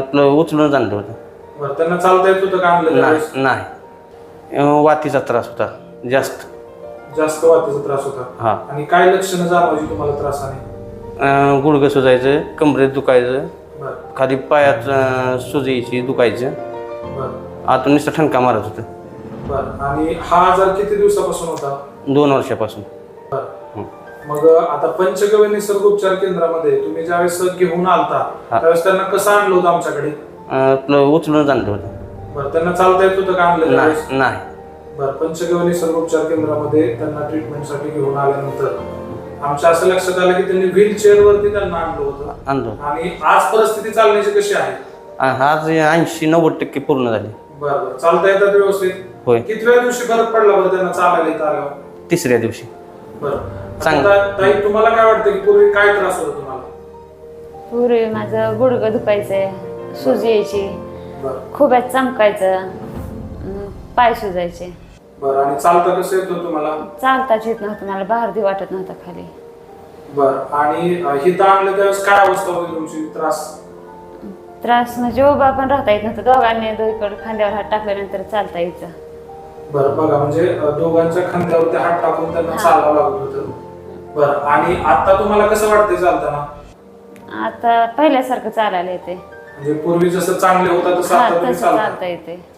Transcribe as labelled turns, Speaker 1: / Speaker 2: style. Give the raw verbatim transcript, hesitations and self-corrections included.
Speaker 1: आपलं उचलून आणलं होतं.
Speaker 2: बरं, त्यांना चालता येत होतं का आणलं
Speaker 1: नाही
Speaker 2: त्यावेळेस?
Speaker 1: नाही अं, वातीचा त्रास होता जास्त.
Speaker 2: जास्त वातीचा त्रास होता.
Speaker 1: हा
Speaker 2: आणि काय लक्षणं जाणवायची तुम्हाला त्रासाने?
Speaker 1: अं, गुडघं सुजायचं, कमरेत दुखायचं,
Speaker 2: बरं
Speaker 1: खाली पायात अं, सुजायची दुखायचं,
Speaker 2: बरं
Speaker 1: आतून नुसतं ठणका मारत होतं.
Speaker 2: बरं. आणि हा आजार किती दिवसापासून होता?
Speaker 1: दोन वर्षापासून.
Speaker 2: बरं.
Speaker 1: हं.
Speaker 2: मग आता पंचगव्य निसर्ग उपचार केंद्रामध्ये तुम्ही ज्यावेळेस घेऊन आलता
Speaker 1: हा.
Speaker 2: त्यावेळेस त्यांना कसं आणलं होतं आमच्याकडे?
Speaker 1: अं, आपलं उचलून आणलं होतं.
Speaker 2: बरं, त्यांना चालता येत होतं का आणलं त्यावेळेस?
Speaker 1: नाही नाही
Speaker 2: बरं, पंचगव्य निसर्ग उपचार केंद्रामध्ये त्यांना ट्रीटमेंटसाठी घेऊन आल्यानंतर आमच्या असं लक्षात आलं की त्यांनी व्हीलचेअर वरती त्यांना आणलं होतं.
Speaker 1: आणलं होतं.
Speaker 2: आणि आज परिस्थिती चालण्याची कशी आहे?
Speaker 1: आणि आज ऐंशी नव्वद टक्के पूर्ण झाली.
Speaker 2: बरं बरं. चालता येतात व्यवस्थित?
Speaker 1: होय.
Speaker 2: कितव्या दिवशी फरक पडला बरं त्यांना चालायला येत आल्यावर?
Speaker 1: तिसऱ्या दिवशी.
Speaker 2: बरं.
Speaker 1: चांगलं.
Speaker 2: आता ताई, तुम्हाला काय वाटतं की पूर्वी काय त्रास होता तुम्हाला?
Speaker 3: पूर्वी माझं गुडघं दुखायचं, सुजी यायची,
Speaker 2: बरं
Speaker 3: खुब्यात चमकायचं, अं, पाय सुजायचे.
Speaker 2: बरं. आणि चालता कसं येतं तुम्हाला?
Speaker 3: चालताच येत नव्हतं मला, भारती वाटत नव्हता खाली.
Speaker 2: बरं. आणि हिथं आणलं त्यावेळेस काय अवस्था होती तुमची? त्रास?
Speaker 3: त्रास म्हणजे उभा पण राहता येत नव्हतं. दोघांनी दोघीकडे खांद्यावर हात टाकल्यानंतर चालता यायचं.
Speaker 2: बरं. बघा, म्हणजे अं, दोघांच्या खांद्यावरती हात टाकून त्यांना चालावं लागत होतं. बरं. आणि आता तुम्हाला कसं वाटतंय चालताना?
Speaker 3: आता पहिल्यासारखं चालायला येते.
Speaker 2: म्हणजे पूर्वी जसं चांगले होता तसं
Speaker 3: हा
Speaker 2: आता तुम्ही
Speaker 3: तसं
Speaker 2: चालता?
Speaker 3: चालता येते.